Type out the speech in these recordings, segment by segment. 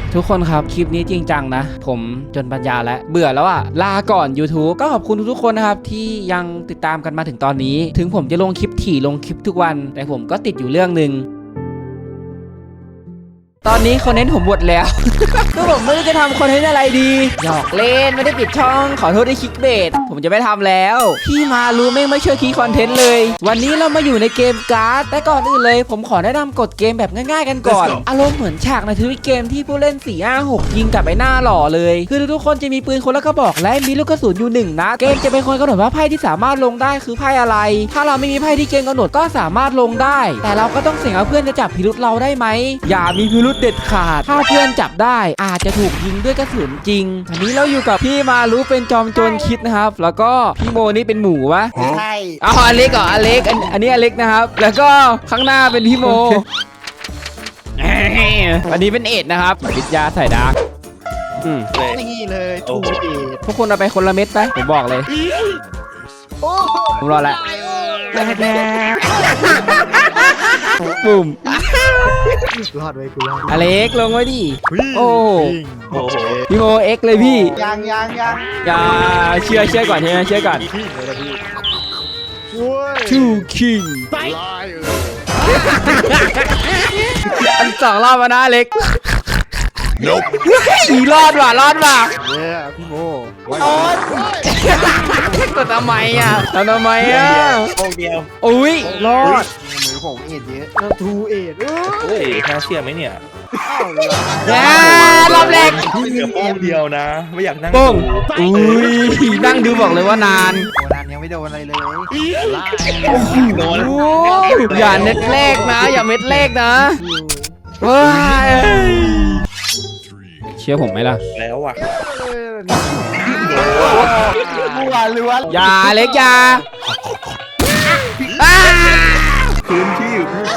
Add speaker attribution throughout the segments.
Speaker 1: ทุกคนครับคลิปนี้จริงจังนะผมจนปัญญาแล้วเบื่อแล้วอะลาก่อน YouTube ก็ขอบคุณทุกๆคนนะครับที่ยังติดตามกันมาถึงตอนนี้ถึงผมจะลงคลิปถี่ลงคลิปทุกวันแต่ผมก็ติดอยู่เรื่องนึงตอนนี้คอนเทนต์ผมหมดแล้ว ก็ผมไม่รู้จะทำคอนเทนต์อะไรดีหยอกเล่นไม่ได้ปิดช่องขอโทษที่คลิกเบสผมจะไม่ทำแล้วพี่มารู้ไม่ช่วยคิดคอนเทนต์เลยวันนี้เรามาอยู่ในเกมการ์ดแต่ก่อนอื่นเลยผมขอแนะนำกฎเกมแบบง่ายๆกันก่อนอารมณ์เหมือนฉากในทวิตเกมที่ผู้เล่น 4-5-6 ยิงกับไอ้หน้าหล่อเลยคือทุกคนจะมีปืนคนละกระบอกและมีลูกกระสุนอยู่1 นัดเกมจะเป็นคนกำหนดว่าไพ่ที่สามารถลงได้คือไพ่อะไรถ้าเราไม่มีไพ่ที่เกมกำหนดก็สามารถลงได้แต่เราก็ต้องเสี่ยงว่าเพื่อนจะจับพิรุธเราได้ไหมอย่ามีพิรุธเด็ดขาดถ้าเพื่อนจับได้อาจจะถูกยิงด้วยกระสุนจริงอันนี้เราอยู่กับพี่มารู้เป็นจอมโจรคิดนะครับแล้วก็พี่โมนี่เป็นหมูวะ
Speaker 2: ใช่
Speaker 1: เอาอเล็กเหรออเล็กอันนี้อเล็กนะครับแล้วก็ข้างหน้าเป็นพี่โมอันนี้เป็นเอ็ดนะครับวิทยาใส่ดาร์ก
Speaker 2: นี่เลยถูกเอ็ด
Speaker 1: ทุกคนเอาไปคนละเม็ดไปผมบอกเลยผมรอแล้วปุ่ม
Speaker 2: รอดไว้กูรอด
Speaker 1: อเล็กลงไว้ดิโอ้พี่โมเอ็กเลยพี่
Speaker 2: ยัง
Speaker 1: อย่าเชื่อก่อนเชื่อก่อนทูคิงอัน2 รอบมานะเล็กรอดว่ะ
Speaker 2: เนี่ยพี่โม
Speaker 1: กดทำไมอ่ะโ
Speaker 3: โอ้เดียว
Speaker 1: อุ้ยรอด
Speaker 2: มือผมเอ็ดเยอะแล้วทูเอ็ด
Speaker 3: โอ้ยน่าเชื่อไหมเนี่ย
Speaker 1: รอบแรก
Speaker 3: เหลือโป้งเดียวนะไม่อยากนั่ง
Speaker 1: โป้งอุ้ยนั่งดูบอกเลยว่านาน
Speaker 2: ยังไม่โดนอะไรเลย
Speaker 3: โดน
Speaker 1: อย่าเม็ดแรกนะอย่าเม็ดแรกนะเชื่อผมไหมล่ะ
Speaker 3: แล้วอ่ะ
Speaker 1: อย่าเล็กอย่า
Speaker 3: พื้นที่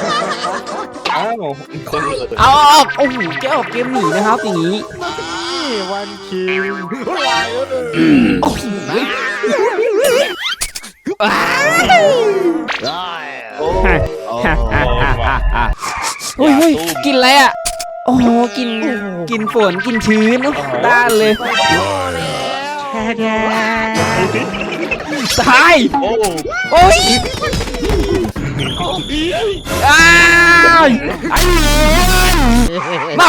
Speaker 1: เอาออกโอ้โหแกออกเกมหนีนะครับอย่างนี้
Speaker 2: วันคิว
Speaker 1: เฮ้ยกินอะไรอ่ะโอ้โหกินฝนกินชื้นด้านเลยตายโอ้ยมา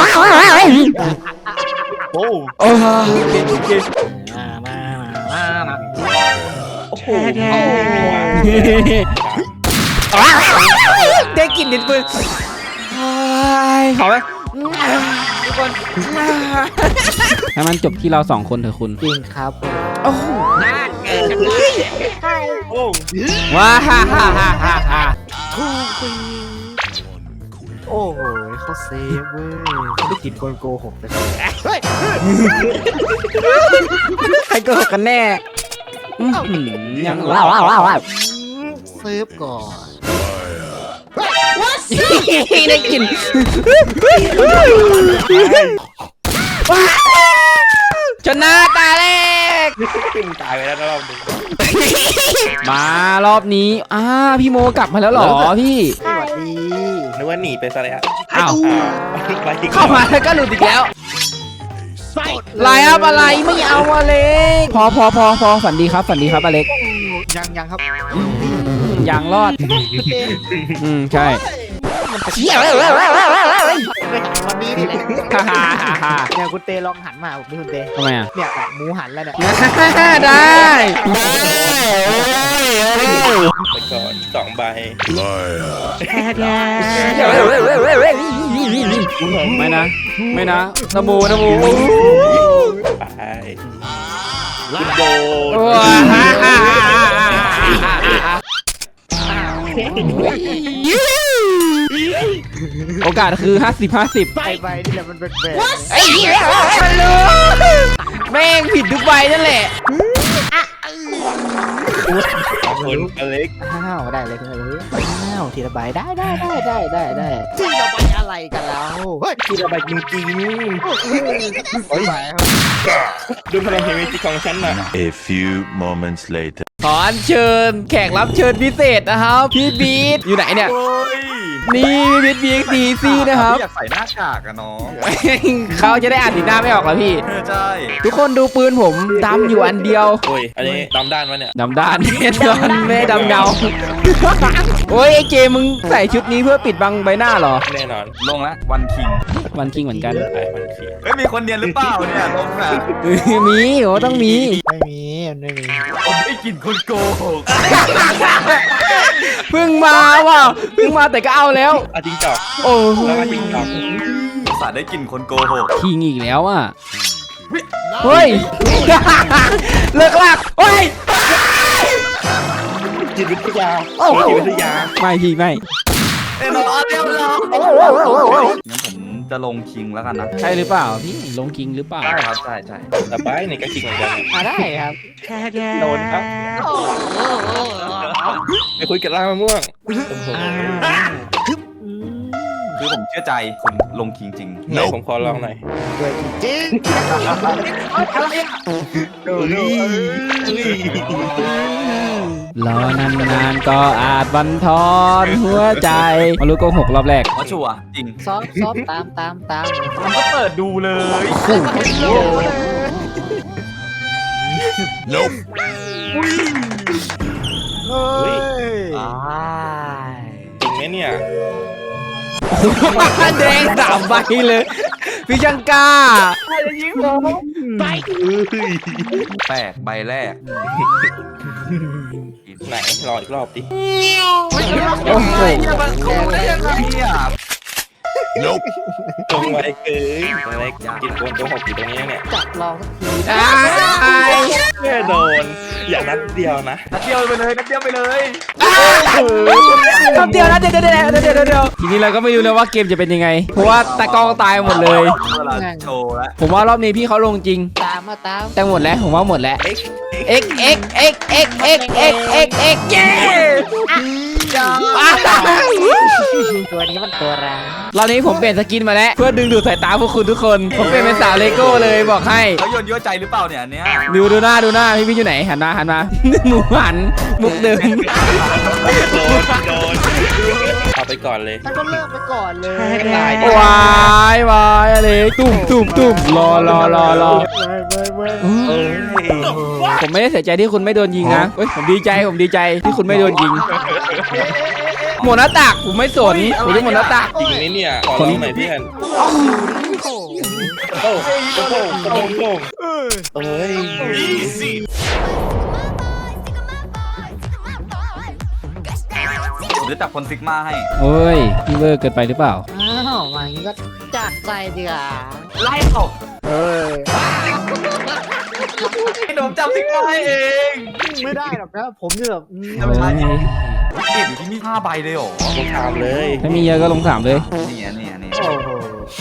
Speaker 3: โอ้
Speaker 1: โอ้โหได้กลิ่นดินปืนขอไหมทุกคนให้มันจบที่เรา2 คนเถอะคุณ
Speaker 2: จริงครับ
Speaker 1: โอ้โหว้าฮ่า
Speaker 2: ทูฟีโอ้โหเขาเซฟเว้ยเขาได้กลิ่นโกหกเลย
Speaker 1: ใครโกหกกันแน่ยัง
Speaker 2: เซฟก่อน
Speaker 1: ได้กินชนะตาแรก
Speaker 3: ตายไปแล้วรอบนึง
Speaker 1: มารอบนี้พี่โมกลับมาแล้วหรอพี่
Speaker 2: สวัสดี
Speaker 3: นึกว่าหนีไปซะแล้ว
Speaker 1: อ้าวเข้ามาแล้วก็หลุดอีกแล้วไลน์อัพอะไรไม่เอาอเล็กพอฝันดีครับอเล็ก
Speaker 2: ยังครับ
Speaker 1: ยังรอดใช่
Speaker 2: วันนี้นี่แหละเนี่ยคุณเตลองหันมาผมนี่คุณเต
Speaker 1: ทำไมอ่ะ
Speaker 2: เนี่ยหมูหันแล้วเนี่ย
Speaker 1: ได้
Speaker 3: ไปก่อน2 ใบ
Speaker 1: ไม่นะนโม
Speaker 3: ไปโด
Speaker 1: โอกาสคือ50
Speaker 2: ใบนี่แหละมันเป็นแบบ
Speaker 1: ไอ้เหี้ยมันรู้แม่งผิดทุกใบนั่นแหละ
Speaker 3: คนอเล็ก
Speaker 2: ได้เลยคุณเลยทีละใบได้ทีละใบอะไรกันแล้ว
Speaker 3: ทีละใบจริงๆดูพลังเฮมิจิของฉันน่ะ
Speaker 4: A few moments later
Speaker 1: ขอเชิญแขกรับเชิญพิเศษนะครับพี่บีทอยู่ไหนเนี่ยนี่วิท BXD ซี่นะครับ
Speaker 5: อยากใส่หน้ากากอะน้อง
Speaker 1: เขาจะได้อ่านสีหน้าไม่ออกแล้วพี่
Speaker 5: ใช่
Speaker 1: ทุกคนดูปืนผมดำอยู่อันเดียว
Speaker 3: โอ้ยอันนี้ดำด้านวะเนี่ย
Speaker 1: ดำด้านแน่นอนไม่ดำเงา โอ้ยไอเจมึงใส่ชุดนี้เพื่อปิดบังใบหน้าเหรอ
Speaker 3: แน่นอน
Speaker 5: ลงแล้ววันคิง
Speaker 1: วันคิงเหมือนกัน
Speaker 3: ไอ้มันขี้
Speaker 5: เฮ้ยมีคนเรียนหรือเปล่าเนี่ยลงอ่ะ
Speaker 1: มีโอ้ต้องมี
Speaker 2: ไม่มีมันไม่มี
Speaker 5: ผมได้กลิ่นคนโกหก
Speaker 1: เพิ่งมาว่ะเพิ่งมาแต่ก็เอาแล้ว
Speaker 3: อ่ะจริงจอก
Speaker 1: โอ้โห
Speaker 3: แล้วก็จริงจอก
Speaker 5: สาได้กลิ่นคนโกหก
Speaker 1: คิงอีกแล้วอ่ะเฮ้ย เลิกลากเฮ้ย
Speaker 3: จิตวิทยา
Speaker 1: โอ้โห
Speaker 3: จิตวิทยา
Speaker 1: ไม่พี่ไม่
Speaker 5: เอ้ยน้องเรียบร้อยงั้นผมจะลงคิงแล้วกันนะ
Speaker 1: ใช่หรือเปล่าพี่ลงคิงหรือเปล่า
Speaker 5: ใช่ครับใช่ใช่
Speaker 3: แต่ไปนี่ก็จริงเหมือนกัน
Speaker 1: ได้ครับ
Speaker 3: โดนครับไปคุยกับร่างมะม่วงโอ้โห
Speaker 5: คือผมเชื่อใจคุณลงคิงจริง
Speaker 3: ไหนผมขอลองหน่อย
Speaker 2: เกิดจริง
Speaker 1: รอนานๆก็อาจบันทอนหัวใจมารู้โกหกรอบแรก
Speaker 5: เพราะชัวร์จริง
Speaker 2: ซอฟตาม
Speaker 5: มันก็เปิดดูเลย
Speaker 2: เฮ้ย
Speaker 3: จริงไหมเนี่ย
Speaker 1: แดง3 ใบเลย พี่ช่างกล้า
Speaker 5: แปลกใบแรก
Speaker 3: ไหนรออีกรอบดิ
Speaker 1: โอ้โห
Speaker 3: ตรงไว้เกินอะไรกินโกนโกหกอยู่ตรงนี้เนี่ย
Speaker 2: จับลองสักที
Speaker 3: แค่โดน อย่านัดเดียวนะ
Speaker 5: นัดเดียวไปเลยนัดเดียวไปเลย
Speaker 1: คำเดียวนะเดี๋ยวทีนี้เราก็ไม่รู้เลยว่าเกมจะเป็นยังไง เพราะว่าตะกองตายหมดเลย
Speaker 5: เวลาโชว์แล้ว
Speaker 1: ผมว่ารอบนี้พี่เขาลงจริง
Speaker 2: ตามมาตาม
Speaker 1: แต่หมดแล้วผมว่าหมดแล้ว x x x x x x x x เย้ว้าว
Speaker 2: ตัวนี้มันตัวร้าย
Speaker 1: รอบนี้ผมเปลี่ยนสกินมาแล้ว เพื่อดึงดูดสายตาพวกคุณทุกคน ผมเปลี่ยนเป็นสาวเลโก้เลยบอกให้
Speaker 5: เขาโยนยั่วใจหรือเปล่าเนี่ยอันเนี้ย
Speaker 1: ดูหน้าพี่อยู่ไหนหันมา หมูหันมุกเดิม
Speaker 3: โดนเอาไปก่อนเลย
Speaker 2: ท่านก็เลิกไปก่อนเลย
Speaker 3: ให้ตายดิ
Speaker 1: วายอะไรตุ่มรอ
Speaker 3: เอ้ย
Speaker 1: ผมไม่ได้เสียใจที่คุณไม่โดนยิงนะเฮ้ยผมดีใจที่คุณไม่โดนยิง หมดหน้าตักผมไม่สนผมจะหมดหน้าตัก
Speaker 3: จริงไหมเนี่ยขอลองหน่อยเพื่อนโอ้โหเอ้ย
Speaker 5: ผมจะจับคนซิกมาให้
Speaker 1: โอ้ยพี่เวอร์เกินไปหรือเปล่า
Speaker 2: อ้าวมาอย่างนี้ก็จัดใจดีกว่า
Speaker 5: ไล่ตก
Speaker 2: เฮ้ย
Speaker 5: ให้ผมจับซิกมาให้เอง
Speaker 2: ไม่ได้หรอกนะผมจะแบบ
Speaker 5: เก็บอยู่ที่นี่5 ใบเลยเหรอ
Speaker 3: ลงถามเลย
Speaker 1: ถ้ามีเยอะก็ลงถามเลย
Speaker 5: เนี่ย
Speaker 2: โอ้โห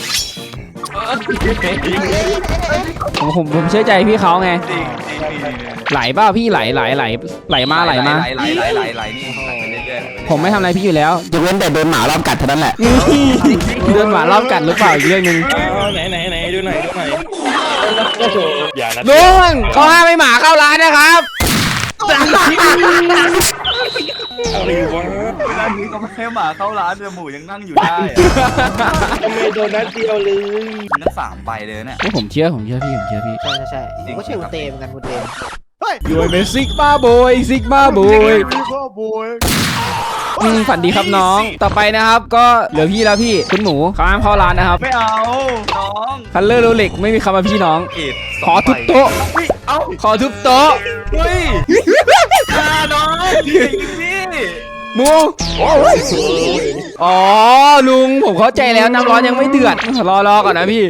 Speaker 1: ผมเชื่อใจพี่เขาไง
Speaker 5: จริง
Speaker 1: ไหลเปล่าพี่ไหลมา
Speaker 5: ไหลนี่ไหลไปเรื่อยๆ
Speaker 1: ผมไม่ทำอะไรพี่อยู่แล้วยกเว้นแต่โดนหมารอบกัดเท่านั้นแหละ โดนหมารอบกัดหรือเปล่าอีกเรื่องหนึง
Speaker 3: ไหนดูหน่อยโอ้โหอย่านะ
Speaker 1: ลุงเขาห้ามไม่หมาเข้าร้านนะครับ
Speaker 3: อะไรวะ
Speaker 5: เวลานี้ก็ไม่ให้หมาเข้าร้านเดือหมูยังนั่งอยู่ได้
Speaker 3: ทำไมโดนนัดเดียวเลย
Speaker 5: นั่น3 ใบเลยเนี่ย
Speaker 1: ผมเชื่อพี่
Speaker 2: ใช่ผมก็เชื่อคุณเตมกันคุณเตม
Speaker 1: ยูเป็นซิกมาโบยฝันดีครับน้อง ต่อไปนะครับ ก็เหลือพี่แล้วพี่คุณหมูเขาห้ามเข้าร้านนะครับ
Speaker 5: ไม่เอาน้อง
Speaker 1: คัลเลอร์โรเล็กไม่มีคำว่าพี่น้อง
Speaker 5: เอ็ด
Speaker 1: ขอทุบโต๊ะ
Speaker 5: เอ้า
Speaker 1: ขอทุบโต๊ะ
Speaker 5: เฮ้ยน้องพี่
Speaker 1: หมูอ๋อลุงผมเข้าใจแล้วน้ำร้อนยังไม่เดือดรอก่อนนะพี่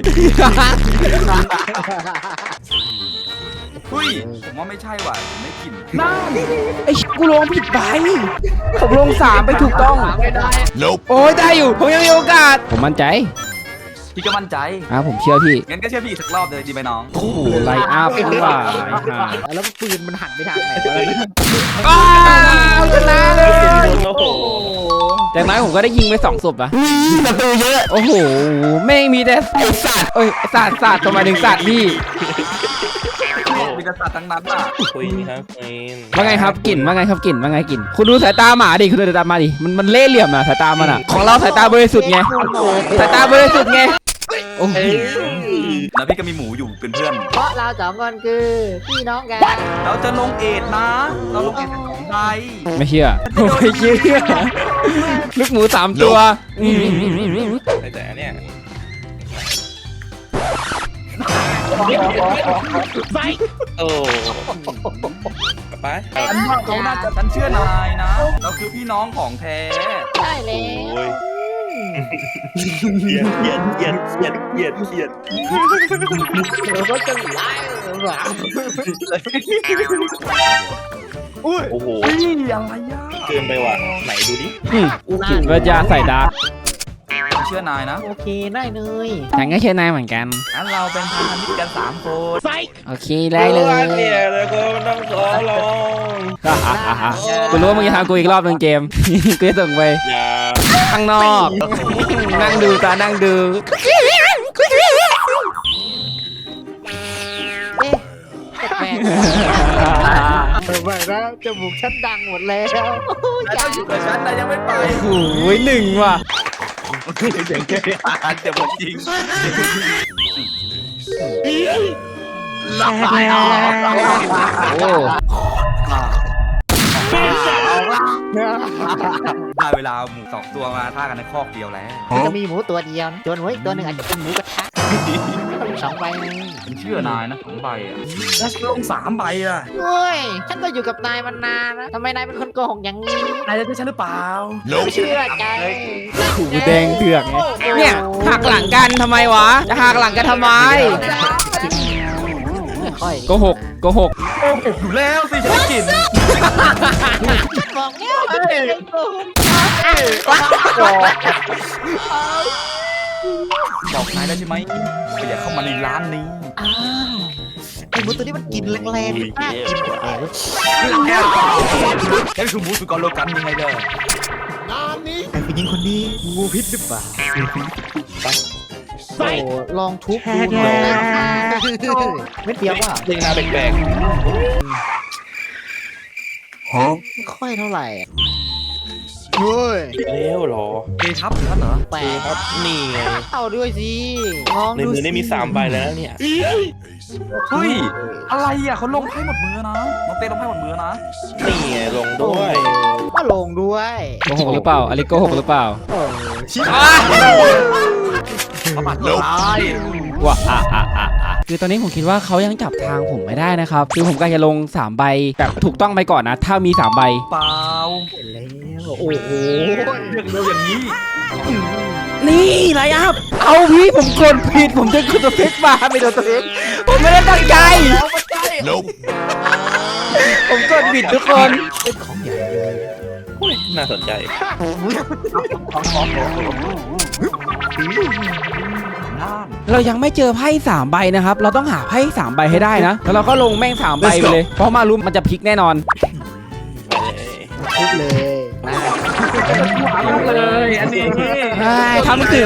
Speaker 5: เฮ้ยผมว่าไม่ใช่ว่ะผมไม่กิน
Speaker 1: ไอ้กูลงผิดไปผมลง3ไปถูกต้อง
Speaker 2: ไม่ได้
Speaker 1: โอ้ยได้อยู่ผมยังมีโอกาสผมมั่นใจ
Speaker 5: พี่ก็มั่นใจ
Speaker 1: ผมเชื่อพี่
Speaker 5: งั้นก็เชื่อพี่อีกสักรอบเลยดีไหมน้อง
Speaker 1: โอ้โหไลน์อัพว่ะ
Speaker 2: แล้วปืนมันหันไปทางไหนวะ
Speaker 1: อ้าวชนะเลย
Speaker 3: โอ้โห
Speaker 1: แต่น้อยผมก็ได้ยิงไป2 ศพอะประตูเยอะโอ้โหแม่งมีแต่ไอสัตว์เอ้ยสัตว์ทำไมถึงสัตว์พี่
Speaker 5: ไปแต่สัตว์ทั้งนั้นอ่ะ
Speaker 3: คุยครับคุย
Speaker 1: ว่าไงครับกลิ่นว่าไงครับกลิ่นว่าไงกลิ่นคุณดูสายตาหมาดิคุณดูสายตาหมาดิมันเล่ห์เหลี่ยมอะสายตามันอะของเราสายตาบริสุทธิ์ไงสายตาบริสุทธิ์ไงโอ้โห
Speaker 5: แล้วพี่ก็มีหมูอยู่เป็นเพื่อน
Speaker 6: เพราะเราสองคนคือพี่น้องกัน
Speaker 5: เราจะลงเอ็ดนะ เราลงเอ็ดเป็นของใบ
Speaker 1: ไม่เชื่อไม่เชื่อลูกหมู3 ตัว
Speaker 3: แต่เนี่ย โอ้ไป
Speaker 5: เขาน่าจะฉันเชื่อนายนะ เราคือพี่น้องของแท้
Speaker 6: ใช่แล้ว
Speaker 3: โอ้ยเกียดเกียดเกียดเกียดเกียดเกียด
Speaker 6: เราก็จะไล่หลัง
Speaker 3: โอ้โห
Speaker 5: เฮ้ยอะไรอ่ะ
Speaker 3: เกินไปว่ะไหนดูดิ
Speaker 1: คิดว่าจะใส่ดาร์ก
Speaker 5: ฉันเชื่อนายนะ
Speaker 6: โอเคได้เลย
Speaker 1: ฉันก็เชื่อนายเหมือนกัน
Speaker 5: งั้นเราเป็นพันธมิตรกัน3 คน
Speaker 1: โอเคได้เลย
Speaker 3: เนี่ยแล้วก็ต้องขอลอง
Speaker 1: กูรู้ว่ามึงจะทำกูอีกรอบหนึงเกม กูจะส่งไป
Speaker 3: อย่า
Speaker 1: ข้างนอก นั่งดูตานั่งดู
Speaker 6: เอ๊ะแปลกไม่นะจมูกฉันดังหมดแล้ว
Speaker 5: นายต้องอยู่กับฉันนายยังไม่ไป
Speaker 1: โอ้ย1ว่ะ
Speaker 5: เดี๋ยวผมจริง
Speaker 1: โอ้
Speaker 5: ได้เวลาหมู2 ตัวมาท่ากันในคอกเดียวแล้ว
Speaker 6: จะมีหมูตัวเดียวนะจนไว้อีกตัวหนึ่งอาจจะเป็นหมูกระทะ2 ใบ
Speaker 5: ฉันเชื่อนายนะ2 ใบอ่ะแล้วฉันลง3 ใบอ่ะ
Speaker 6: เฮ้ยฉันก็อยู่กับนายมานานนะทำไมนายเป็นคนโกหกอย่างนี้
Speaker 5: นายจะเป็นฉันหรือเปล่า
Speaker 6: ไม่เชื่อใจ
Speaker 1: หูแดงเถือกไงเนี่ยหักหลังกันทำไมวะ จะหักหลังกันทำไม
Speaker 6: ไม่ค่อย
Speaker 1: โกหกโกหก
Speaker 5: อยู่แล้วสิฉันได้กลิ่น
Speaker 6: บอกแล้วไม่โกหก
Speaker 5: บอกนายได้ใช่ไหมว่าอย่าเข้ามาในร้านนี้
Speaker 6: อ้าวไอ้หมูตัวนี้มันกินแรงๆมากกินแรง
Speaker 5: แค่คือหมูสุกรโลกันยังไงเด้อ
Speaker 6: ไอ้ผู้หญิงคนนี้งูพิษหรือเปล่าโอ้ลองทุบดูหน่อยไม่เปรี้ยวว่า
Speaker 3: เล่นหน้าแปลก
Speaker 6: ไม่ค่อยเท่าไหร่เฮ้ย
Speaker 3: ๆแล้วเหรอ
Speaker 5: เอทับท่านเหรอ
Speaker 6: แปลก
Speaker 3: ครับนี่ไง
Speaker 6: เอาด้วยสิลอง
Speaker 3: ใน
Speaker 6: ดู
Speaker 3: มือ
Speaker 6: สิ
Speaker 3: ได้มี3 ใบแล้วนะเนี่ย
Speaker 5: เฮ้ยอะไรอ่ะเขาลงไพ่หมดมือนะน้องเต้ลงไพ่หมดมือนะ
Speaker 3: นี่ไงลงด้วย
Speaker 6: ก็ลงด้วย
Speaker 1: โกหกหรือเปล่าอลิโกหกหรือเปล่า
Speaker 5: ประมาทร้าย
Speaker 1: ว้าคือตอนนี้ผมคิดว่าเขายังจับทางผมไม่ได้นะครับ คือผมก็จะลง3 ใบแบบถูกต้องไปก่อนนะ ถ้ามี3 ใบ
Speaker 5: เปล่า
Speaker 6: แล้วโอ้โห
Speaker 5: เรื่องเร็วอย่างนี้
Speaker 1: นี่ไรอัพเอาพี่ผมกดผิดผมจะกดตัวเฟกมาไม่โดนตัวเฟกผมไม่ได้ตั้งใจ ผมกดผิดทุกคน
Speaker 3: น่าสนใจ
Speaker 1: เรายังไม่เจอไพ่3 ใบนะครับ เราต้องหาไพ่3 ใบให้ได้นะ แล้วเราก็ลงแม่ง3 ใบไปเลย เพราะมารู้มันจะพลิกแน่นอน
Speaker 6: ทุบเลยนะ
Speaker 5: เลยอันนี้
Speaker 1: ทำขึง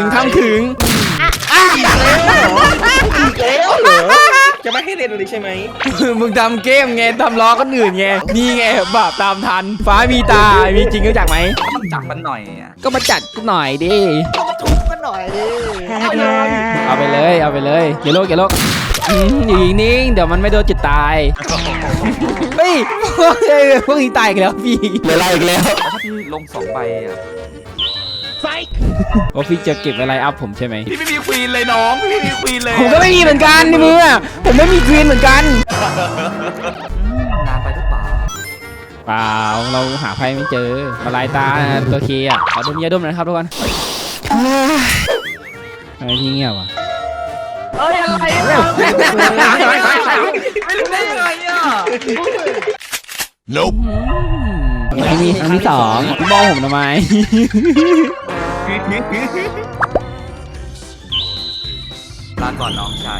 Speaker 3: จะไม่ให้เล่นเลยใช่ไหม
Speaker 1: มึงทำเกมไงทำล้อคนอื่นไง นี่ไงบาปตามทัน ฟ้ามีตา มีจริงรู้จักไหม
Speaker 5: ต้องจับมันหน่อยอ่ะ
Speaker 1: ก็มาจัดกูหน่อยดิ
Speaker 6: ก็มาทุบกันหน่อยดิ
Speaker 1: เอาไปเลยอย่าโลกอยู่นิ่งๆเดี๋ยวมันไม่โดนจุดตาย เฮ้ยพวกนี้ตายอีกแล้วพี่เหลืออะไรอีกแล้ว
Speaker 5: แล้วถ้าพี่ลง2 ใบอ่ะ
Speaker 1: โอ้พี่จะเก็บอะไรอัพผมใช่ไหม
Speaker 5: พี่ไม่มีควีนเลยน้องพี่ไม่มีควีนเลย
Speaker 1: ผมก็ไม่มีเหมือนกันในมือผมไม่มีควีนเหมือนกัน
Speaker 5: นานไปหรือเปล่า
Speaker 1: เปล่าเราหาไพ่ไม่เจอมาลายตาตัวเคอ่ะขอดมยาดมหน่อยนะครับทุกคนทำไมพี่เงียบอ่ะ
Speaker 5: เอ้ยอะไรเนี่ยไม่รู้ได้ยังไงอ่ะ
Speaker 1: อันนี้อันที่2มองผมทำไม
Speaker 5: ลาก่อนน้องชาย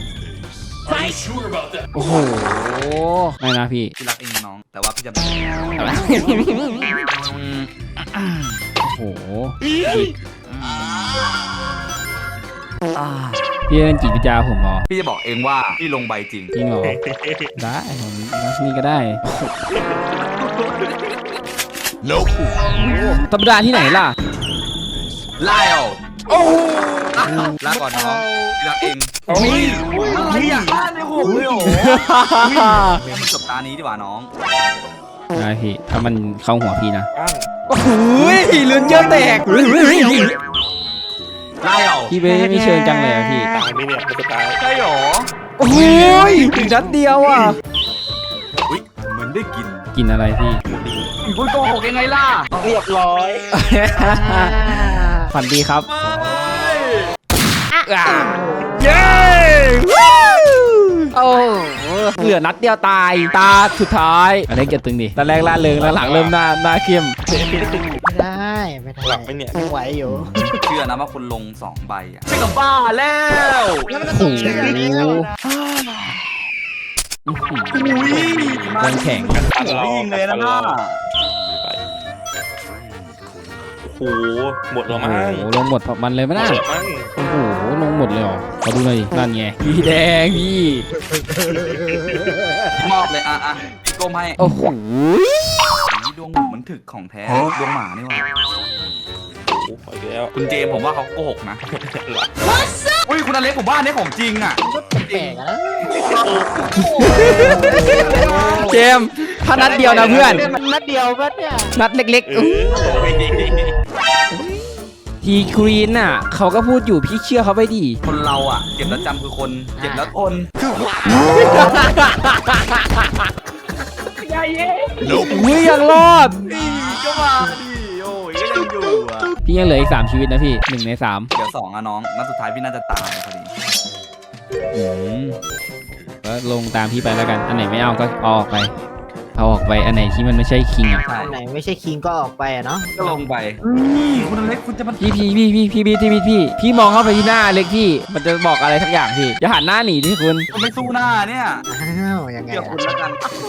Speaker 1: โอ้โหไม่นะพี่
Speaker 5: พี่รักเองน้อง แต่ว่าพี่จะไม่
Speaker 1: โอ้โหพี่เล่นจิตวิทยาผมเหรอ
Speaker 5: พี่จะบอกเองว่าพี่ลงใบจริง
Speaker 1: จริงเหรอได้ผมนี่ก็ได้
Speaker 4: Nope.
Speaker 1: ธรรมดาที่ไหนล่ะ
Speaker 5: ไล่เอาลาก่อนน้องพี่รักเองอะไรอ่ะบ้านในหัวเลยเหรอมันจบตานี้ดีกว่าน้อง
Speaker 1: ได้พี่ถ้ามันเข้าหัวพี่นะ
Speaker 3: อ้าง
Speaker 1: โอ้โหลุ้นเยอะแตก
Speaker 5: ไล่เอา
Speaker 1: พี่ไม่เชิญจังเลยอะพี่
Speaker 3: ตายนี่เนี่ยมันจะตาย
Speaker 5: ใช่หรอ
Speaker 1: โอ้ยถึงนัดเดียวอ่ะ
Speaker 5: อุ้ยเหมือนได้กิน
Speaker 1: กินอะไรพี่
Speaker 5: คุณโกหกยังไงล่ะ
Speaker 3: เรียบร้อย
Speaker 1: ฝันดีครับ
Speaker 5: ไม่
Speaker 1: เย้โอ้เหลือนัดเดียวตายตาสุดท้ายอันนี้เก็บตึงดิตอนแรกล่าเริงแล้วหลังเริ่มหน้าเข้ม
Speaker 6: ไม่ได้ไม่ได้
Speaker 3: หลังไม่เนี่ย
Speaker 6: ไหวอยู่
Speaker 5: เชื่อนะว่าคนลง2ใบอ่ะใช่กับบ้าแล้ว
Speaker 6: แล้วมันจะส่งเชื่อแล้ว
Speaker 1: โดนแข่ง
Speaker 5: หัวยิงเลยนะน่า
Speaker 3: โอ้โหหมดแล้ว
Speaker 1: โอ้
Speaker 3: มั้ง
Speaker 1: โหลงหมดมันเลยไหม
Speaker 3: หม
Speaker 1: น่ะ
Speaker 3: ดแล้วมั้ง
Speaker 1: โอ้โหลงหมดเลยเหรอขอดูหน่อยดินั่นไงพี่แดงพี่
Speaker 5: มอบเลยอ่ะพี่ก้มให้
Speaker 1: โอ้โห
Speaker 5: ดวงหมูมันถึกของแท้ดวงหมานี่หว่า
Speaker 3: โอ้โหไปแล้ว
Speaker 5: คุณเจมผมว่าเขาโกหกนะอุ้ยคุณอเล็กผมว่าอันนี้ของจริงอ่ะ
Speaker 6: แปลกอะนะ
Speaker 1: เจมส์ถ้านัดเดียวนะเพื่อน
Speaker 6: นัดเดียวก็เนี่ย
Speaker 1: นัดเล็ก
Speaker 3: เออ
Speaker 1: ๆทีครีนน่ะเขาก็พูดอยู่พี่เชื่อเขาไปดิ
Speaker 5: คนเราอ่ะเจ็บแล้วจำคือคนเจ็บแล้วทนคือ
Speaker 1: อุ้ยยังรอด
Speaker 5: ก็มาดิโอ้ยก็ยังอยู่อ่ะ
Speaker 1: พี่ยังเหลืออีก3ชีวิตนะพี่1 ใน 3
Speaker 5: เดี๋ยว2อ่ะน้องนัดสุดท้ายพี่น่าจะตายพอดี
Speaker 1: ก็ลงตามพี่ไปแล้วกัน อันไหนไม่เอาก็เอาออกไป เอาออกไปอันไหนที่มันไม่ใช่คิงอ่ะ
Speaker 5: ใช่
Speaker 6: อันไหนไม่ใช่คิงก็ออกไปอะเนาะ
Speaker 5: ก็ลงไปคุณอเล็กคุณจะมัน
Speaker 1: พี่มองเข้าไปที่หน้าเล็กพี่ มันจะบอกอะไรสักอย่างพี่อย่าหันหน้าหนีที่คุณ
Speaker 5: ไม่สู้หน้าเนี่ย
Speaker 6: อ้าวยังไง
Speaker 5: เดี๋ยว
Speaker 6: อะ
Speaker 5: คุณแล้วกัน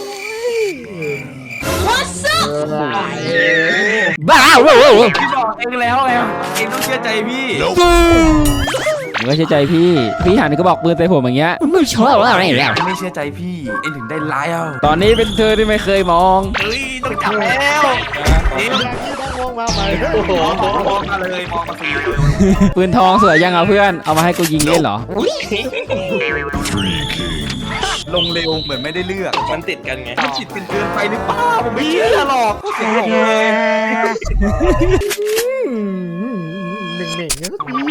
Speaker 1: บ้า
Speaker 5: พี่บอกเองแล้วไงเองต้องเชื่อใจพี่
Speaker 1: ผมก็เชื่อใจพี่หันก็บอกปืนใส่ผมอย่างเงี้ยไม่ชอบอะไรแล้ว
Speaker 5: ไม่เชื่อใจพี่เองถึงได้ไล่เอา
Speaker 1: ตอนนี้เป็นเธอที่ไม่เคยมอง
Speaker 5: เฮ้ยต้องจับแล้วนี่
Speaker 6: ต้องวงมาใหม่
Speaker 3: โอ้โห
Speaker 5: มองมาเลยมองมาสิ
Speaker 1: ปืนทองสวยยังอ่ะเพื่อนเอามาให้กูยิงเล่นเหรอ
Speaker 5: ลงเร็วเหมือนไม่ได้เลือก
Speaker 3: มันติดกันไง
Speaker 5: มันจิตเกินไปหรือเปล่าผมไม่เชื่อหรอกเสียงหลงเลย
Speaker 6: หนึ่งเนี่ย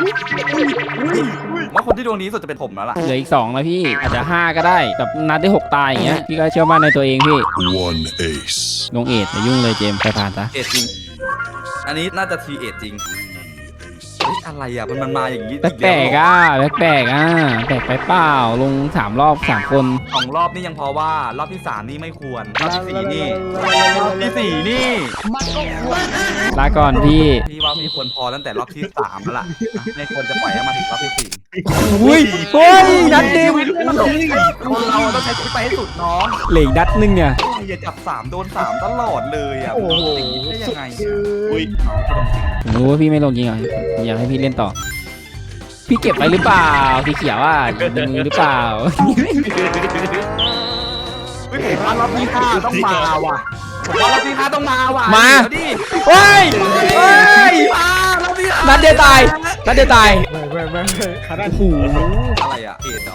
Speaker 5: ว่าคนที่ดวงดีสุดจะเป็นผมแล้วล่ะ
Speaker 1: เหลืออีก2นะพี่อาจจะ5ก็ได้แบบนัดได้6ตายอย่างเงี้ยพี่ก็เชื่อมั่นในตัวเองพี่
Speaker 4: One ace.
Speaker 1: ลงเอทอย่ายุ่งเลยเจมส์ไปผ่านซะ
Speaker 5: เอ็ดจริง อันนี้น่าจะทีเอ็ดจริงเฮ้ยอะไรอ่ะมันมาอย่างนี้
Speaker 1: แปลกๆอ่ะแปลกๆอ่ะแปลกไปเปล่าลง3รอบ3คน
Speaker 5: 2 รอบนี่ยังพอว่ารอบที่3นี่ไม่ควรรอบที่4นี่รอบที่4นี่
Speaker 6: มันก็ควร
Speaker 1: ลาก่อนพี่
Speaker 5: พี่ว่าพี่ควรพอตั้งแต่รอบที่3แล้วล่ะไม่ควรจะปล่อยให้มาถึงรอบที่4
Speaker 1: อุ้ยเฮ้ยนัดเดียว
Speaker 5: คนเราต้องใช้ชีวิตไปให้สุดน้อง
Speaker 1: เหลืออีกนัดนึงเนี่ย
Speaker 5: อย่าจับ3โดน3ตลอดเลยอ่ะ
Speaker 6: โอ้โห
Speaker 5: ได้ยังไง
Speaker 3: อุ้ย
Speaker 1: ผมรู้ว่าพี่ไม่ลงจริงเหรอผมอยากให้พี่เล่นต่อ พี่เก็บไปหรือเปล่าพี่เขียวอ่ะยิงมือหรือเปล่า
Speaker 5: ผมว่ารอบที่5ต้องมาว่ะผมว่ารอบที่5ต้องมาว่ะ
Speaker 1: มา
Speaker 5: เดี๋ยวดิ
Speaker 1: เฮ้ยเฮ้ย
Speaker 5: มารอบที่5
Speaker 1: นัดเดียวตายนัดเดียวตาย
Speaker 6: ไม่ขนาด
Speaker 1: โอ้โห
Speaker 5: อะไรอ่ะเอ็ดเหรอ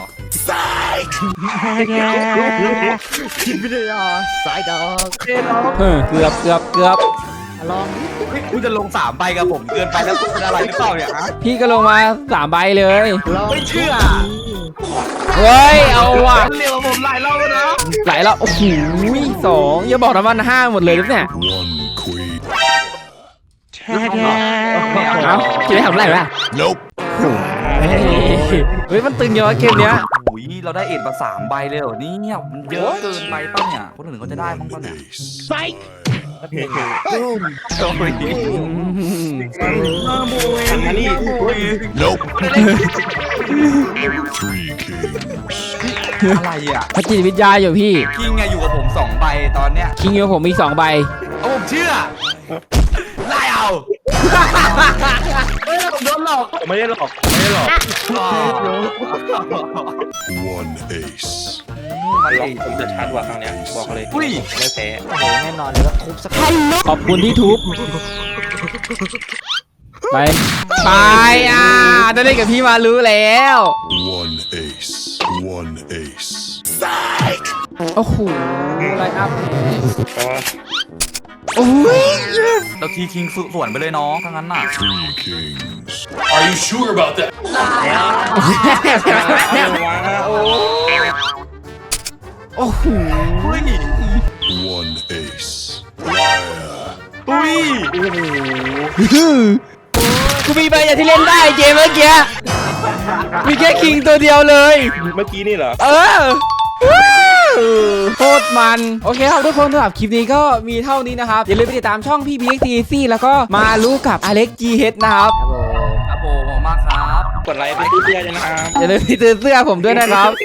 Speaker 6: คิดวิทยาสายดอก
Speaker 5: เอ็ดเหรอ
Speaker 1: เกือบ
Speaker 6: ลอง
Speaker 5: เฮ้ยคุณจะลง3ใบกับผมเกินไปแล้วคุณเป็นอะไรหรือเปล่าเนี่ยฮะ
Speaker 1: พี่ก็ลงมา3ใบเลย
Speaker 6: ลอง
Speaker 5: ไม่เชื่อ
Speaker 1: เฮ้ยเอาว่ะ
Speaker 5: เร็วกว่าผมหลายรอบแล้วนะ
Speaker 1: ไหลแล้วโอ้โห2อย่าบอกนะมัน5หมดเลยหรือเนี่ย
Speaker 4: One queen.
Speaker 1: เอ้าคิดได้ทำไรวะ
Speaker 4: Nope.
Speaker 1: เฮ้ยมันตึงเยอะเกมเนี้ย
Speaker 5: โอ้ยเราได้เอ็ดมา3ใบเลยเหรอเนี่ยมันเยอะเกินไปป่ะเนี่ยคนอื่นเขาจะได้บ้างป่ะเนี่ย
Speaker 6: ตุ้ม
Speaker 5: โอ้ย มาโมย
Speaker 3: อันนี้
Speaker 4: Nope. Three kings.
Speaker 5: อะไรอ่ะ
Speaker 1: พระจิตวิทยาอยู่พี่
Speaker 5: คิงไงอยู่กับผม2ใบตอนเนี้ย
Speaker 1: คิงอยู่กับผมมี2ใบ
Speaker 5: เอาผมเชื่อไล่เอา
Speaker 6: เฮ้ยเรา
Speaker 5: ผมโดนหลอก
Speaker 3: ไม่ได้หลอกไม่ได้หลอก
Speaker 4: One ace.
Speaker 3: ผมจะชัดกว่าครั้งเนี้ยบอกเลย
Speaker 5: อุ้ย
Speaker 3: ไม่แพ้
Speaker 2: โอ้โหแน่นอนเลยว่าทุบสักที
Speaker 1: ขอบคุณที่ทุบไปได้เล่นกับพี่มารู้แล้ว
Speaker 4: One ace. One ace.
Speaker 1: โอ้โหไลน์อัพ
Speaker 3: เพราะว่า
Speaker 1: โอ้ย
Speaker 5: เราทีคิงสวนไปเลยน้องทั้งนั้นน่ะ
Speaker 4: Three kings.
Speaker 3: เอาวะโอ้
Speaker 1: โอ้โห
Speaker 4: One ace. Liar.
Speaker 5: อุ้ย
Speaker 1: กูมีใบอย่างที่เล่นได้เกมเมื่อกี้มีแค่คิงตัวเดียวเลย
Speaker 3: เมื่อกี้นี่เหรอ
Speaker 1: โคตรมันโอเคครับทุกคนสำหรับคลิปนี้ก็มีเท่านี้นะครับอย่าลืมไปติดตามช่องพี่บีเอ็กทีซี่แล้วก็มารู้กับอเล็กจีเฮดนะครับ
Speaker 2: ครับผม
Speaker 5: ครับผมขอบคุณมากครับ
Speaker 3: กดไลค์ไปที่เพื่อนนะครับ
Speaker 1: อย่าลืมไปซื้อเสื้อผมด้วยนะครับ